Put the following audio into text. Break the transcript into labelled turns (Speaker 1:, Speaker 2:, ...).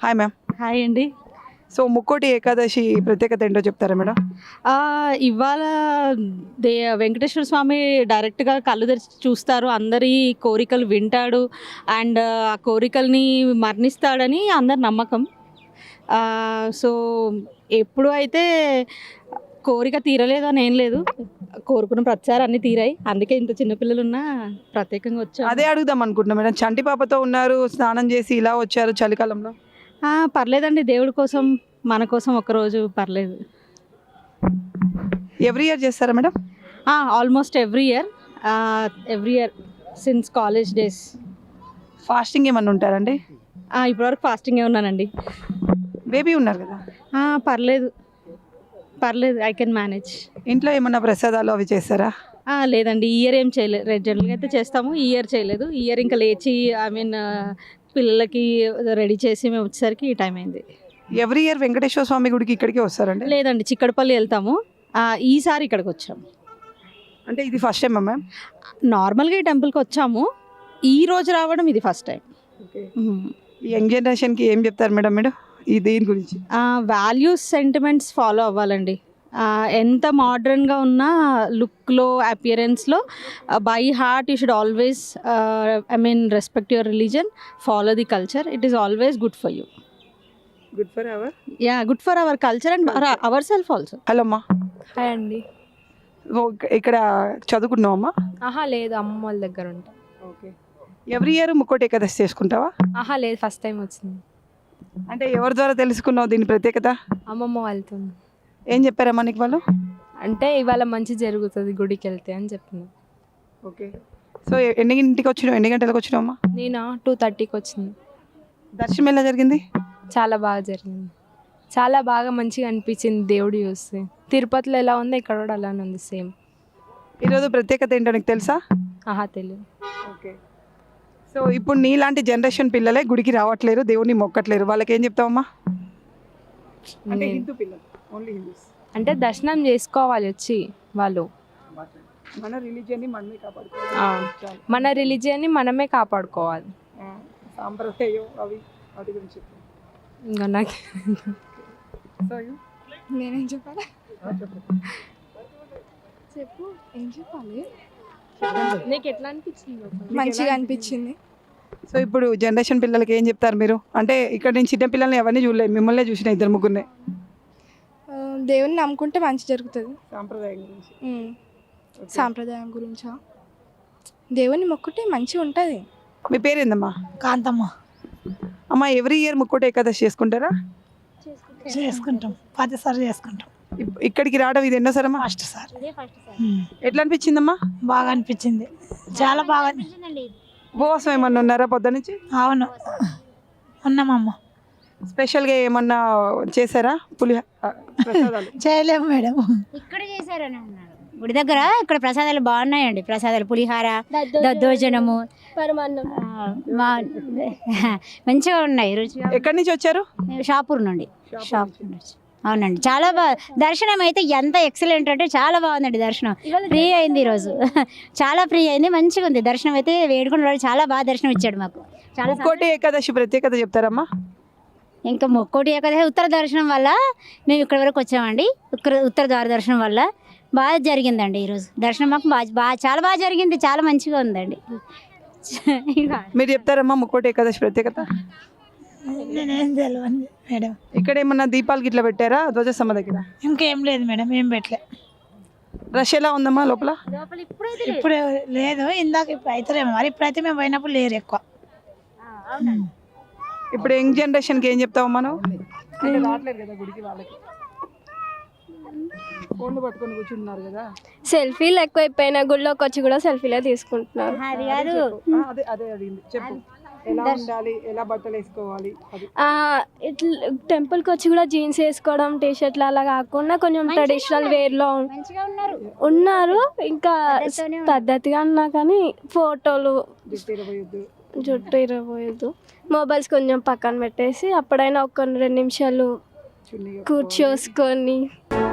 Speaker 1: Hi ma'am.
Speaker 2: Hi అండి.
Speaker 1: So Mukkoti Ekadasi ప్రత్యేకత ఏంటో చెప్తారా మేడం?
Speaker 2: ఇవాళ వెంకటేశ్వర స్వామి డైరెక్ట్గా కళ్ళు తెరిచి చూస్తారు, అందరి కోరికలు వింటాడు అండ్ ఆ కోరికల్ని మరణిస్తాడని అందరి నమ్మకం. సో ఎప్పుడు అయితే కోరిక తీరలేదు అని ఏం లేదు, కోరుకున్న ప్రతిసారి అన్నీ తీరాయి. అందుకే ఇంత చిన్నపిల్లలు ఉన్నా ప్రత్యేకంగా వచ్చారు.
Speaker 1: అదే అడుగుదాం అనుకుంటున్నా మేడం. చంటి పాపతో ఉన్నారు, స్నానం చేసి ఇలా వచ్చారు చలికాలంలో.
Speaker 2: పర్లేదండి, దేవుడి కోసం మన కోసం ఒకరోజు పర్లేదు.
Speaker 1: ఎవ్రీ ఇయర్ చేస్తారా madam?
Speaker 2: Almost every year since college days.
Speaker 1: Fasting ఏమన్నా ఉంటారండి?
Speaker 2: ఇప్పటివరకు ఫాస్టింగే ఉన్నానండి.
Speaker 1: బేబీ ఉన్నారు కదా?
Speaker 2: పర్లేదు, ఐ కెన్ మేనేజ్.
Speaker 1: ఇంట్లో ఏమన్నా ప్రసాదాలు అవి చేస్తారా?
Speaker 2: లేదండి, ఈ ఇయర్ ఏం చేయలేదు. జనరల్గా అయితే చేస్తాము, ఈ ఇయర్ చేయలేదు. ఈ ఇయర్ ఇంకా లేచి పిల్లలకి రెడీ చేసి మేము వచ్చేసరికి ఈ టైం అయింది.
Speaker 1: ఎవ్రీ ఇయర్ వెంకటేశ్వర స్వామి గుడికి ఇక్కడికి వస్తారండి?
Speaker 2: లేదండి, చిక్కడపల్లి వెళ్తాము. ఈసారి ఇక్కడికి వచ్చాము.
Speaker 1: అంటే ఇది ఫస్ట్ టైం మ్యామ్?
Speaker 2: నార్మల్గా ఈ టెంపుల్కి వచ్చాము, ఈ రోజు రావడం ఇది ఫస్ట్ టైం.
Speaker 1: ఈ యంగ్ జనరేషన్కి ఏం చెప్తారు మేడం మీరు ఈ దీని గురించి?
Speaker 2: వాల్యూస్, సెంటిమెంట్స్ ఫాలో అవ్వాలండి. ఎంత మోడ్రన్గా ఉన్నా లుక్లో, అపియరెన్స్లో, by heart you should always respect your religion, follow the culture. It is always good for you.
Speaker 1: Good for our
Speaker 2: good for our culture and our self also.
Speaker 1: Hello అమ్మా.
Speaker 3: Hi అండి.
Speaker 1: ఇక్కడ చదువుకున్నావమ్మా?
Speaker 3: లేదు, అమ్మ వాళ్ళ దగ్గర ఉంటా.
Speaker 1: Okay. Every year Mukkoti Ekadasi చేసుకుంటావా?
Speaker 3: లేదు, ఫస్ట్ టైం వచ్చింది.
Speaker 1: అంటే ఎవరి ద్వారా తెలుసుకున్నావు దీని ప్రత్యేకత?
Speaker 3: అమ్మమ్మ వాళ్ళతో.
Speaker 1: ఏం చెప్పారమ్మా నీకు వాళ్ళు?
Speaker 3: అంటే ఇవాళ మంచి జరుగుతుంది గుడికి వెళ్తే అని చెప్పిన.
Speaker 1: ఓకే. సో ఎన్ని గంటలకు వచ్చినావు అమ్మా?
Speaker 3: నేను 2:30కి వచ్చింది.
Speaker 1: దర్శనం ఎలా జరిగింది?
Speaker 3: చాలా బాగా జరిగింది, చాలా బాగా మంచిగా అనిపించింది దేవుడు చూస్తే. తిరుపతిలో ఎలా ఉందో ఇక్కడ కూడా అలానే ఉంది, సేమ్.
Speaker 1: ఈరోజు ప్రత్యేకత ఏంటో నీకు తెలుసా?
Speaker 3: తెలియదు.
Speaker 1: ఓకే. సో ఇప్పుడు నీలాంటి జనరేషన్ పిల్లలే గుడికి రావట్లేరు, దేవుడిని మొక్కట్లేరు, వాళ్ళకి ఏం చెప్తావమ్మా? అంటే హిందూ పిల్లలు, ఓన్లీ హిందూస్.
Speaker 3: అంటే దర్శనం చేసుకోవాలి వచ్చి వాళ్ళు.
Speaker 1: మన రిలీజియన్ని మనమే కాపాడుకోవాలి.
Speaker 3: మన రిలీజియన్ని మనమే కాపాడుకోవాలి.
Speaker 1: సాంప్రదాయం అవి వాటి గురించి
Speaker 3: ఇంకా నాకు
Speaker 4: నేనేం చెప్పాలి? చెప్పు, ఏం చెప్పాలి?
Speaker 3: నీకు ఎట్లా అనిపించింది?
Speaker 4: మంచిగా అనిపించింది.
Speaker 1: సో ఇప్పుడు జనరేషన్ పిల్లలకి ఏం చెప్తారు మీరు? అంటే ఇక్కడ నేను చిన్న పిల్లల్ని ఎవరిని చూడలేదు, మిమ్మల్ని చూసిన ఇద్దరు ముగ్గురినే.
Speaker 4: దేవుని నమ్ముకుంటే మంచి జరుగుతుంది.
Speaker 1: సాంప్రదాయం గురించి.
Speaker 4: సాంప్రదాయం గురించా? దేవుని మొక్కుంటే మంచిగా ఉంటుంది.
Speaker 1: మీ పేరేందమ్మా?
Speaker 5: కాంతమ్మ.
Speaker 1: అమ్మ, ఎవ్రీ ఇయర్ ముక్కోటి ఏకాదశి చేసుకుంటారా?
Speaker 5: చేసుకుంటాం, 10 సార్లు చేసుకుంటాం.
Speaker 1: ఇక్కడికి రావడం ఇది ఎన్నోసారమ్మా?
Speaker 5: First sir.
Speaker 1: ఎట్లా అనిపించిందమ్మా?
Speaker 5: బాగా అనిపించింది, చాలా బాగా.
Speaker 1: ఉపవాసం ఏమన్నా ఉన్నారా పొద్దు నుంచి?
Speaker 5: అవును, ఉన్నామమ్మ.
Speaker 1: స్పెషల్గా ఏమన్నా చేశారా?
Speaker 5: చేయలేము మేడం.
Speaker 6: ఇక్కడ చేశారని అన్నారు గుడి దగ్గర. ఇక్కడ ప్రసాదాలు బాగున్నాయండి, ప్రసాదాలు పులిహార, దద్దోజనము, మంచిగా ఉన్నాయి, రుచిగా.
Speaker 1: ఎక్కడి నుంచి వచ్చారు?
Speaker 6: షాపూర్ నుండి. అవునండి, చాలా బాగా దర్శనం అయితే ఎంత ఎక్సలెంట్ అంటే చాలా బాగుందండి. దర్శనం ఫ్రీ అయింది ఈరోజు, చాలా ఫ్రీ అయింది, మంచిగా ఉంది దర్శనం అయితే. వేడుకున్న వాడు చాలా బాగా దర్శనం ఇచ్చాడు మాకు. చాలా
Speaker 1: ముక్కోటి ఏకాదశి ప్రత్యేకత చెప్తారమ్మా?
Speaker 6: ఇంకా ముక్కోటి ఏకాదశి ఉత్తర దర్శనం వల్ల మేము ఇక్కడ వరకు వచ్చామండి. ఉత్తర ద్వార దర్శనం వల్ల బాగా జరిగిందండి ఈరోజు దర్శనం. మాకు బాగా చాలా బాగా జరిగింది, చాలా మంచిగా ఉందండి.
Speaker 1: మీరు చెప్తారమ్మా ముక్కోటి ఏకాదశి ప్రత్యేకత?
Speaker 5: నేనేం తెలియదు మేడం.
Speaker 1: ఇక్కడ ఏమన్నా దీపాలు గిట్లా పెట్టారా ధ్వజస్తంభ దగ్గర?
Speaker 5: ఇంకేం లేదు మేడం, ఏం పెట్టలే.
Speaker 1: రష్ ఎలా ఉందమ్మా లోపల?
Speaker 5: ఇప్పుడు లేదు, ఇందాక ఇప్పుడు అవుతారేమో మరి. ఇప్పుడైతే మేము పోయినప్పుడు లేరు ఎక్కువ.
Speaker 1: ఇప్పుడు యంగ్ జనరేషన్కి ఏం చెప్తావమ్మా నువ్వు? రావట్లేదు కదా గుడికి, వాళ్ళకి ఫోన్లు పట్టుకొని కూర్చుంటున్నారు కదా.
Speaker 7: సెల్ఫీలు ఎక్కువైపోయినా గుళ్ళోకి వచ్చి కూడా సెల్ఫీలే తీసుకుంటున్నారు.
Speaker 6: అది కాదు,
Speaker 1: అదే అడిగింది. చెప్పు, ఎలా ఉండాలి, ఎలా బట్టలు వేసుకోవాలి?
Speaker 7: ఇట్లా టెంపుల్కి వచ్చి కూడా జీన్స్ వేసుకోవడం, టీ షర్ట్లు అలా కాకుండా కొంచెం ట్రెడిషనల్ వేర్లో ఉన్నారు. ఇంకా పద్ధతిగా ఉన్నా కానీ ఫోటోలు, జుట్టు ఇరవోయద్దు, మొబైల్స్ కొంచెం పక్కన పెట్టేసి అప్పుడైనా ఒక 2 నిమిషాలు కూర్చోసుకొని